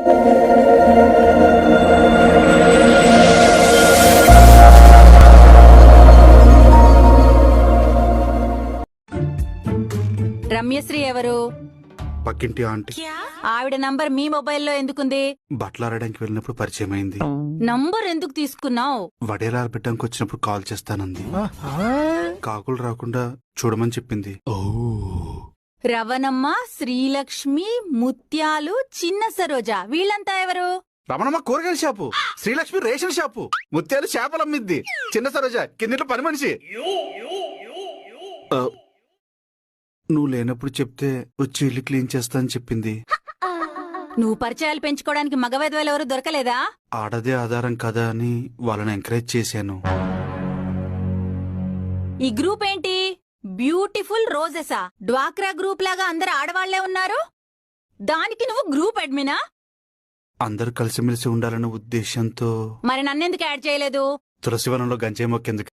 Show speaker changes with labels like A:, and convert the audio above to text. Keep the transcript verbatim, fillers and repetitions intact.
A: రమ్యశ్రీ ఎవరు?
B: పక్కింటి ఆంటీ.
A: ఆవిడ నంబర్ మీ మొబైల్లో ఎందుకుంది?
B: బట్టలాడడానికి వెళ్ళినప్పుడు పరిచయం అయింది.
A: నంబర్ ఎందుకు తీసుకున్నావు?
B: వడేలాలు పెట్టడానికి వచ్చినప్పుడు కాల్ చేస్తానంది. కాకులు రాకుండా చూడమని చెప్పింది.
A: రవణమ్మ, శ్రీలక్ష్మి, ముత్యాలు, చిన్న సరోజ వీళ్ళంతా ఎవరు?
B: రమణమ్మ కూరగాయల షాపు, శ్రీలక్ష్మి రేషన్ షాపు, ముత్యాలు చేపలు అమ్మిద్ది, చిన్న సరోజ కిందిట్లో పని మనిషి. ఆ, నువ్వు లేనప్పుడు చెప్తే వచ్చి ఇల్లు క్లీన్ చేస్తా అని చెప్పింది.
A: నువ్వు పరిచయాలు పెంచుకోవడానికి మగవేదవాళ్ళు ఎవరు దొరకలేదా?
B: ఆడదే ఆధారం కదా అని వాళ్ళని ఎంకరేజ్ చేశాను.
A: ఈ గ్రూప్ ఏంటి? బ్యూటిఫుల్ రోజెసా? డ్వాక్రా గ్రూప్ లాగా అందరు ఆడవాళ్లే ఉన్నారు. దానికి నువ్వు గ్రూప్ అడ్మినా?
B: అందరూ కలిసిమెలిసి ఉండాలన్న ఉద్దేశంతో.
A: మరి నన్నెందుకు యాడ్ చేయలేదు?
B: తులసివనంలో గంజాయి మొక్కేందుకు.